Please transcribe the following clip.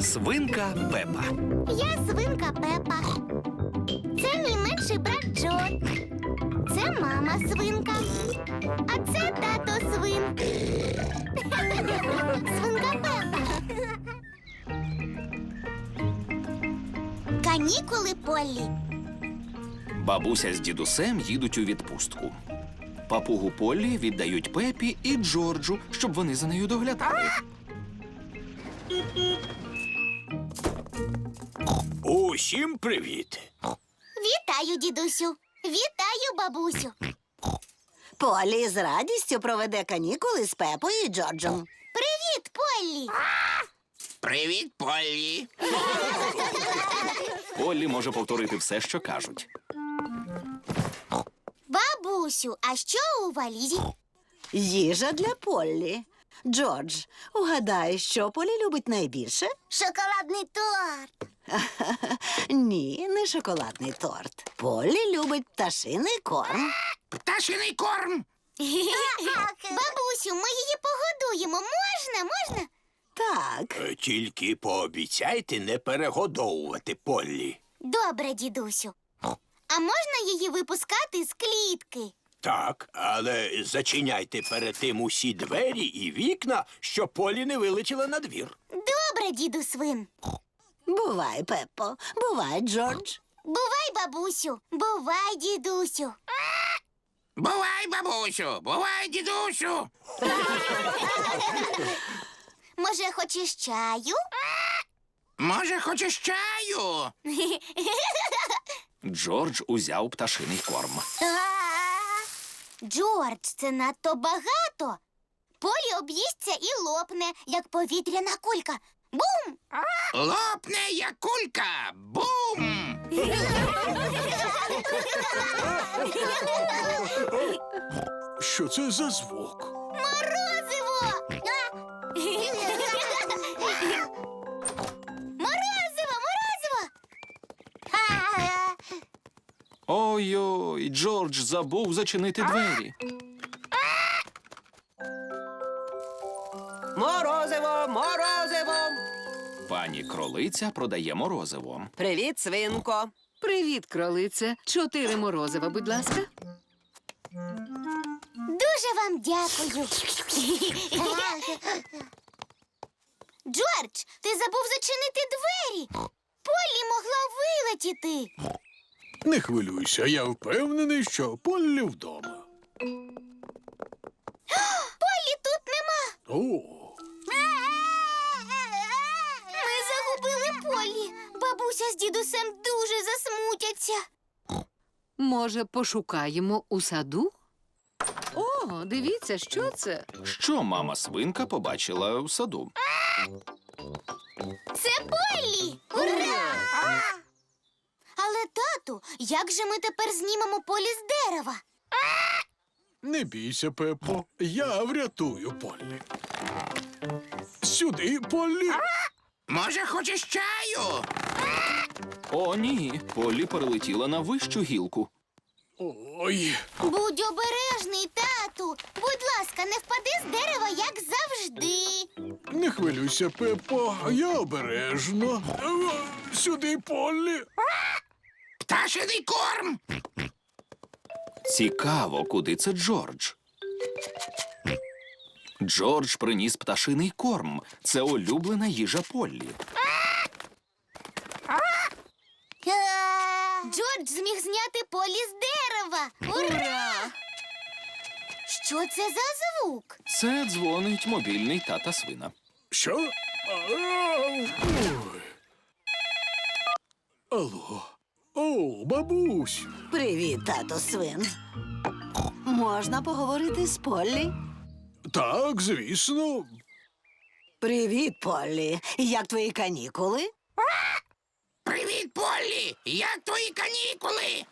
Свинка Пепа. Я свинка Пепа. Це мій менший брат Джо. Це мама свинка. А це тато свин. Свинка Пепа. Канікули Поллі. Бабуся з дідусем їдуть у відпустку. Папугу Поллі віддають Пепі і Джорджу, щоб вони за нею доглядали. Усім привіт! Вітаю, дідусю. Вітаю, бабусю. Поллі з радістю проведе канікули з Пепою і Джорджем. Привіт, Поллі. Привіт, Поллі! Поллі може повторити все, що кажуть. Бабусю, а що у валізі? Їжа для Поллі. Джордж, угадай, що Поллі любить найбільше? Шоколадний торт. Ні, не шоколадний торт. Поллі любить пташиний корм. Пташиний корм! Бабусю, ми її погодуємо. Можна? Так, Тільки пообіцяйте не перегодовувати Поллі. Добре, дідусю. А можна її випускати з клітки? Так, але зачиняйте перед тим усі двері і вікна, щоб Поллі не вилетіла на двір. Добре, діду свин. бувай, Пеппо, бувай, Джордж. Бувай, бабусю. Бувай, дідусю. Бувай, бабусю! Бувай, дідусю! Може, хочеш чаю? Може, хочеш чаю? Джордж узяв пташиний корм. Джордж, це надто багато. Полі об'їсться і лопне, як повітряна кулька. Бум! Лопне, як кулька! Бум! Що це за звук? Морозиво! Морозиво! Ой-ой, Джордж забув зачинити двері. Морозиво, морозиво! Пані кролиця продає морозиво. Привіт, свинко. Привіт, кролице. 4 морозива, будь ласка. Дуже вам дякую. Джордж, ти забув зачинити двері. Полі могла вилетіти. Не хвилюйся, я впевнений, що Поллі вдома. Полі тут нема. О, Ми загубили Полі. Бабуся з дідусем дуже засмутяться. Може, пошукаємо у саду? О, дивіться, що це? Що мама свинка побачила в саду? Це Полі! Ура! Але, тату, як же ми тепер знімемо Полі з дерева? не бійся, Пеппо, я врятую Поллі. Сюди, Поллі. Може, хочеш чаю? О, ні, Поллі перелетіла на вищу гілку. Ой, Будь обережний, тату. Будь ласка, не впади з дерева, як завжди. не хвилюйся, Пеппо, я обережно. Сюди, Поллі. Пташиний корм. Цікаво, куди це Джордж? Джордж приніс пташиний корм. Це улюблена їжа Поллі. Джордж зміг зняти Полі з дерева. Ура! Що це за звук? Це дзвонить мобільний тата свина. Що? Ой. Алло. О, бабусь. Привіт, тато свин. Можна поговорити з Поллі? Так, звісно. Привіт, Поллі. Як твої канікули? Привіт, Поллі! Як твої канікули?